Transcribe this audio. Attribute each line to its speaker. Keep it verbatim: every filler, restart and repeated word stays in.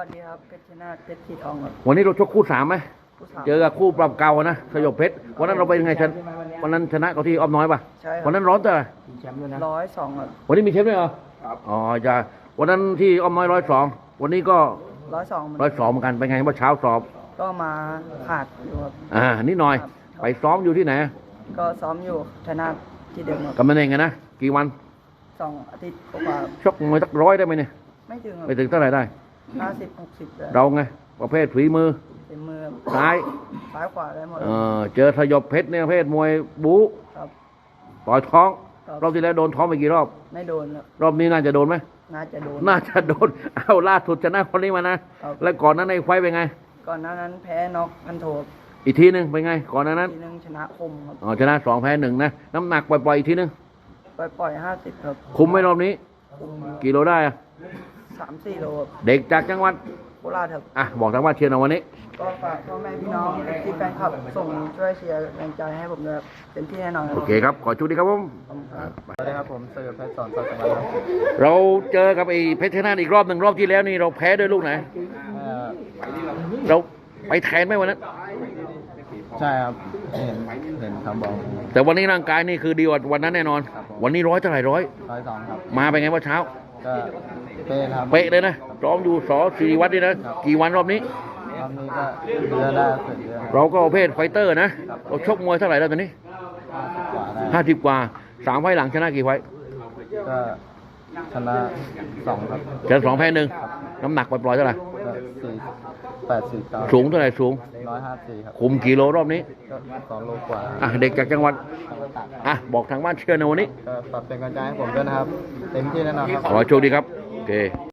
Speaker 1: สวัสดีครับเพชรชนะเพชรสีทองครับ
Speaker 2: วันนี้เราชกคู่สามไหม
Speaker 1: ผู้สาว
Speaker 2: เจอกับคู่ปรับเก่านะสยบเพชรวันนั้นเราเป็นยังไงชนะวันนั้นชนะเขาที่อ้อมน้อยป่ะ
Speaker 1: ใช่ครั
Speaker 2: วันนั้นร้อนแต่ไหร่
Speaker 1: ร้อยสองครับ
Speaker 2: วันนี้มีเชฟด้วยเหรออ๋อจะวันนั้นที่อ้อมน้อยร้อยสองวันนี้ก็
Speaker 1: ร้อยสองเหมือน
Speaker 2: ร้อยสองเหมือนกันเป็นไงเมื่อเช้าสอบ
Speaker 1: ก็มาขาดอยู่ครับ
Speaker 2: อ่านิดหน่อย ไปซ้อมอยู่ที่ไหน
Speaker 1: ก็ซ้อมอยู่ชนะที่เดิมครับ
Speaker 2: กำนันเองไงนะกี่วัน
Speaker 1: สองอาทิตย์กว่า
Speaker 2: ชกมวยสักร้อยได้ไหมเนี่ย
Speaker 1: ไม่ถึงครับ
Speaker 2: ไปถึงเท่าไหร่ได้
Speaker 1: ห้าสิบหกสิบเลย
Speaker 2: เราไงประเภทฝีมือ
Speaker 1: เต็มมือ
Speaker 2: ซ้าย
Speaker 1: ซ้ายขวาได้หมด
Speaker 2: เออเจอสยบเพชรเนี่ยประเภทมวยบู๊
Speaker 1: ครับ
Speaker 2: ต่อยท้อง
Speaker 1: ครับ
Speaker 2: รอบที่แล้วโดนท้องไปกี่รอบ
Speaker 1: ไม่โดนครับ
Speaker 2: รอบนี้น่าจะโดนไหม
Speaker 1: น่าจะโดน
Speaker 2: น่าจะโดน เอาล่าสุดชนะคนนี้มานะ
Speaker 1: ครับ
Speaker 2: แล้วก่อนนั้นในไฟต์เป็นไง
Speaker 1: ก่อนหน้านั้นแพ้น็อกพันโท
Speaker 2: อีกทีหนึ่งเป็นไง ก่อนหนั้นนั้น
Speaker 1: ทีนึงชนะคมครับ
Speaker 2: อ๋อชนะสองแพ้หนึ่งนะ น้ำหนักปล่อยๆอีกทีหนึง
Speaker 1: ปล่อยปล่อยห้าสิบครับ
Speaker 2: คุมไหม่รอบนี้
Speaker 1: คุม
Speaker 2: กี่โลได้อะ
Speaker 1: สามสี่โลครับ
Speaker 2: เด็กจากจังหวัด
Speaker 1: โคราชครับ
Speaker 2: อ่ะ บอกทางว่านเชียร์หน่อยวันนี้
Speaker 1: ก็ฝากพ่อแม่พี่น้องที่แฟนคลับส่งช่วยเชียร์แรงใจให้ผมด้วยครับเต็มที่แน่นอนครั
Speaker 2: โอบ เคครับ ขอชูดีครับผม
Speaker 1: ขอบคุณครับ
Speaker 3: สวัสดีครับผมเสือเพชรสอนสัตว์สวรรค์ครับ
Speaker 2: เราเจอกับไอ้เพชรชนะอีกรอบหนึ่งรอบที่แล้วนี่เราแพ้ด้วยลูกไหน
Speaker 3: เอ่อ
Speaker 2: เราไปแทนไหมวันนั้น
Speaker 3: ใช่ครับเห็นเห็นคำบอก
Speaker 2: แต่วันนี้ร่างกายนี่คือดีกว่าวันนั้นแน่นอน วันนี้ร้อยเท่าไหร่ร้อย
Speaker 3: ร้อยสองครับ
Speaker 2: มาเป็นไงว่าเช้า
Speaker 3: ก็เป๊ะครับ
Speaker 2: เป๊ะเลยนะซ้อมอยู่สอศิริวัตรนี่นะ กี่วันรอบนี้
Speaker 3: รอบนี้ก็เดือนได้สุดเดือน
Speaker 2: เราก็ประเภทไฟเตอร์นะ เราชกมวยเท่าไหร่แล้วตอนนี้
Speaker 3: ห้าสิบกว่าได้
Speaker 2: ห้าสิบกว่าสามไฟล์หลังชนะกี่ไฟล์
Speaker 3: ก็ชนะสองครับ
Speaker 2: ชนะสองแพ้หนึ่งน้ำหนักปล่อยๆเท่าไหร่
Speaker 3: ก็สี่แปดสี่เก้า
Speaker 2: สูงเท่าไหร่สูง
Speaker 3: ร้อยห้าสี่ครับ
Speaker 2: คุมกิโลรอบนี้
Speaker 3: ก็สองโลกว่า
Speaker 2: อ่ะเด็กจากจังหวัด อ่ะบอกทางบ้านเชื่อในวันนี้
Speaker 3: ก็ปรับเป็นกำลังใจให้ผมด้วยนะครับ เต็มที่แน่นอนครับ
Speaker 2: ขอให้โชคดีครับ โอเค